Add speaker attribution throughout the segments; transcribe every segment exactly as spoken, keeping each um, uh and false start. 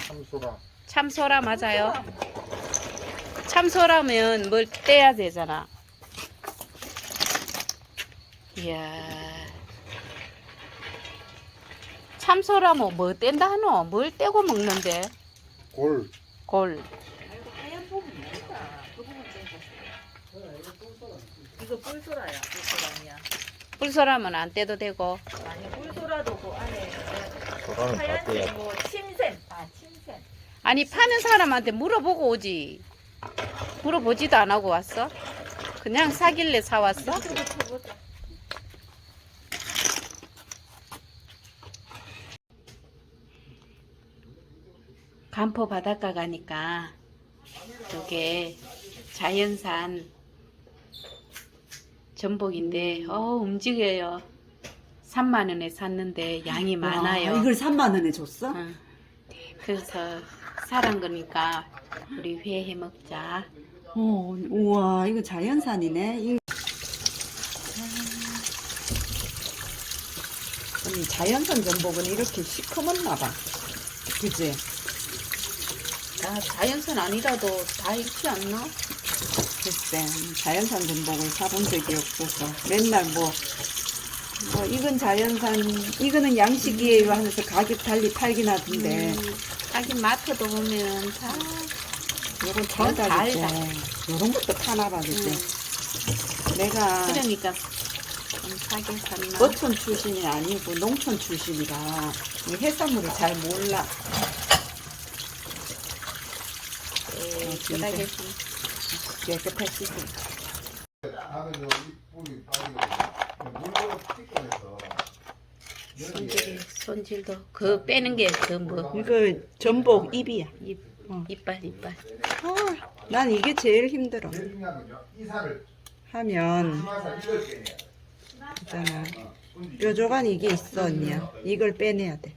Speaker 1: 참소라.
Speaker 2: 참소라 맞아요. 참소라면 뭘 떼야 되잖아. 이야. 참소라 뭐, 뭐 뗀다 하노? 뭘 떼고 먹는데?
Speaker 1: 골.
Speaker 2: 골.
Speaker 3: 하얀 부분 뭐다? 그 부분 떼서. 이거 뿔소라야. 뿔소라냐?
Speaker 2: 뿔소라면 안 떼도 되고.
Speaker 3: 아니 뿔소라도 그 안에
Speaker 1: 소라는 다
Speaker 3: 하얀색
Speaker 1: 떼야.
Speaker 3: 뭐 침샘. 아 침샘.
Speaker 2: 아니 파는 사람한테 물어보고 오지. 물어보지도 안 하고 왔어? 그냥 사길래 사왔어?
Speaker 3: 이쪽으로 쳐보자.
Speaker 2: 간포 바닷가 가니까 이게 자연산 전복인데 어 움직여요. 삼만 원에 샀는데 양이 많아요.
Speaker 4: 와, 이걸 삼만 원에 줬어?
Speaker 2: 응. 그래서 사란 거니까 우리 회 해 먹자.
Speaker 4: 어, 우와, 이거 자연산이네. 이... 아니, 자연산 전복은 이렇게 시커먼나 봐. 그치?
Speaker 2: 아, 자연산 아니라도 다 익지 않나?
Speaker 4: 글쎄, 자연산 전복을 사본 적이 없어서 맨날 뭐, 뭐 이건 자연산, 이거는 양식이에요 하면서 가격 달리 팔긴 하던데.
Speaker 2: 음, 하긴 마트도 보면 다
Speaker 4: 요건
Speaker 2: 다
Speaker 4: 달달이고,
Speaker 2: 달다.
Speaker 4: 요런 것도 파나 봐, 그치?
Speaker 2: 음.
Speaker 4: 내가
Speaker 2: 그러니까 좀 사게 샀나?
Speaker 4: 어촌 출신이 아니고 농촌 출신이라 이 해산물을 잘 몰라.
Speaker 2: 에,
Speaker 4: 진짜.
Speaker 2: 끄다게
Speaker 4: 깨끗하지.
Speaker 1: 하면 요 잎뿌리 빠지고 물로 튀겨내서
Speaker 2: 손질이 손질도 그 빼는 게 그 뭐
Speaker 4: 이거 전복 입이야.
Speaker 2: 입
Speaker 4: 어.
Speaker 2: 이빨 이빨.
Speaker 4: 아, 난 이게 제일 힘들어.
Speaker 1: 제일 중요한 건요. 이사를
Speaker 4: 하면
Speaker 1: 이마사 이걸 빼내야 돼.
Speaker 4: 있잖아. 뾰족한 이게 있어 언니야. 이걸 빼내야 돼.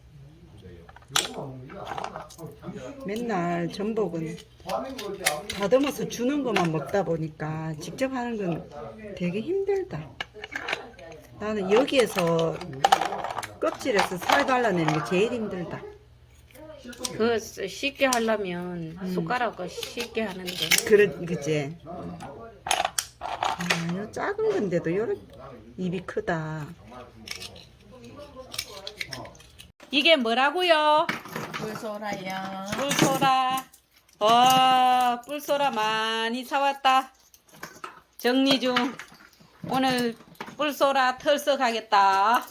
Speaker 4: 맨날 전복은 다듬어서 주는 것만 먹다 보니까 직접 하는 건 되게 힘들다. 나는 여기에서 껍질에서 살 발라내는 게 제일 힘들다.
Speaker 2: 그 쉽게 하려면 숟가락으로 쉽게 하는데
Speaker 4: 그런 그지. 아, 요 작은 건데도 요런 입이 크다.
Speaker 2: 이게 뭐라고요?
Speaker 3: 뿔소라야.
Speaker 2: 뿔소라. 와, 뿔소라 많이 사왔다. 정리 중. 오늘 뿔소라 털썩하겠다.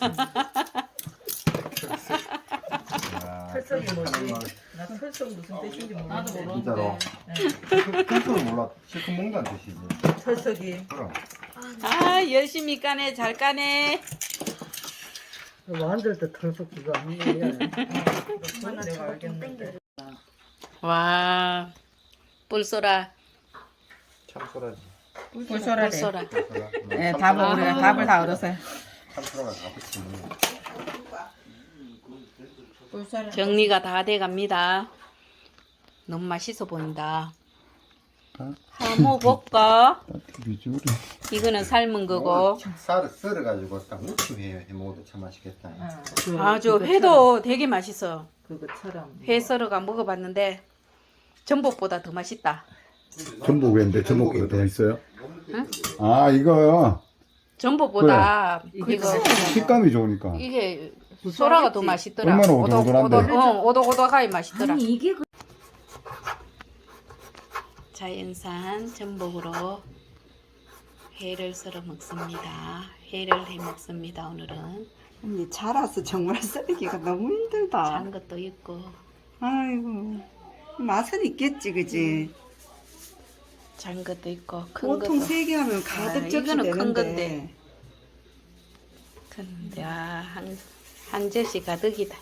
Speaker 3: 털썩이 뭐지? 나 털썩 무슨 뜻인지 모르는데. 나도
Speaker 1: 진짜로. 털썩은 몰라. 실컷 먹는다는 뜻이지.
Speaker 3: 털썩이.
Speaker 1: 그럼.
Speaker 2: 아, 열심히 까네. 잘 까네.
Speaker 3: 완들도 털썩 그거 아니야. 내가 알겠는데.
Speaker 2: 와, 뿔소라.
Speaker 1: 참소라지.
Speaker 3: 뿔소라래.
Speaker 2: 뿔소라.
Speaker 3: 네, 답을 우리가 답을 다 얻었어요.
Speaker 1: 참소라가 다 붙이네.
Speaker 3: 뿔소라.
Speaker 2: 정리가 다 돼 갑니다. 너무 맛있어 보인다. 한번 볼까?
Speaker 1: 비주얼이.
Speaker 2: 이거는 삶은 거고.
Speaker 1: 쌀을 썰어가지고 딱 무침 해 먹어도 참 맛있겠다.
Speaker 2: 아주 회도 되게 맛있어.
Speaker 3: 그것처럼.
Speaker 2: 회 썰어가 먹어봤는데 전복보다 더 맛있다.
Speaker 5: 전복 왜인데 전복보다 더 있어요?
Speaker 2: 응?
Speaker 5: 아 이거요.
Speaker 2: 전복보다
Speaker 3: 그래.
Speaker 2: 이거
Speaker 5: 식감이 좋으니까.
Speaker 2: 이게 소라가 더 맛있더라.
Speaker 5: 얼마나 오독오독한데?
Speaker 2: 오독, 어, 오독오독하게 맛있더라.
Speaker 3: 아니 이게 그
Speaker 2: 자연산 전복으로 회를 썰어 먹습니다. 회를 해 먹습니다. 오늘은
Speaker 4: 언니 자라서 정말 썰기가 너무 힘들다.
Speaker 2: 단 것도 있고
Speaker 4: 아이고 맛은 있겠지 그지.
Speaker 2: 장 것도 있고 큰
Speaker 4: 보통
Speaker 2: 것도.
Speaker 4: 세 개 하면 가득
Speaker 2: 아,
Speaker 4: 접시
Speaker 2: 이거는 큰
Speaker 4: 되는데.
Speaker 2: 건데. 근데 아, 한, 한 접시 가득이다.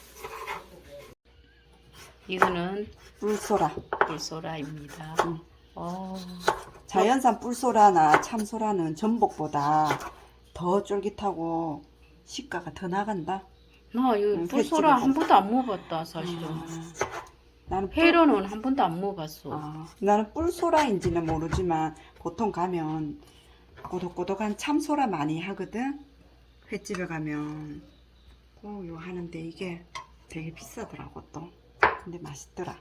Speaker 2: 이거는
Speaker 4: 뿔소라.
Speaker 2: 뿔소라입니다.
Speaker 4: 응.
Speaker 2: 어,
Speaker 4: 자연산 뿔소라나 참소라는 전복보다 더 쫄깃하고 식가가 더 나간다.
Speaker 2: 나 이거
Speaker 4: 응,
Speaker 2: 뿔소라
Speaker 4: 횟집에서.
Speaker 2: 한 번도 안 먹어봤다 사실은.
Speaker 4: 아, 나는 뿔-
Speaker 2: 회로는 한 번도 안 먹어봤어.
Speaker 4: 아, 나는 뿔소라인지는 모르지만 보통 가면 꼬독꼬독한 참소라 많이 하거든. 횟집에 가면 꼭 이거 하는데 이게 되게 비싸더라고 또. 근데 맛있더라.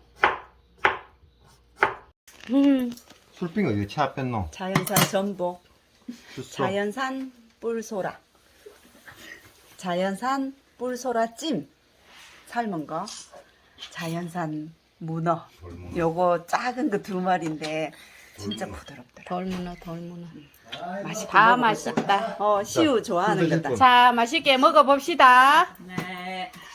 Speaker 2: 음.
Speaker 1: 술빙 어디 차 뺐노?
Speaker 4: 자연산 전복,
Speaker 1: 줬어.
Speaker 4: 자연산 뿔소라, 자연산 뿔소라 찜, 삶은 거, 자연산 문어. 요거 작은 거 두 마리인데 진짜 부드럽더라.
Speaker 2: 돌문어 돌문어.
Speaker 4: 맛있게
Speaker 2: 다
Speaker 4: 먹어보자.
Speaker 2: 맛있다.
Speaker 4: 어, 시우 좋아하는
Speaker 1: 드실
Speaker 4: 거다.
Speaker 1: 분.
Speaker 2: 자, 맛있게 먹어봅시다.
Speaker 4: 네.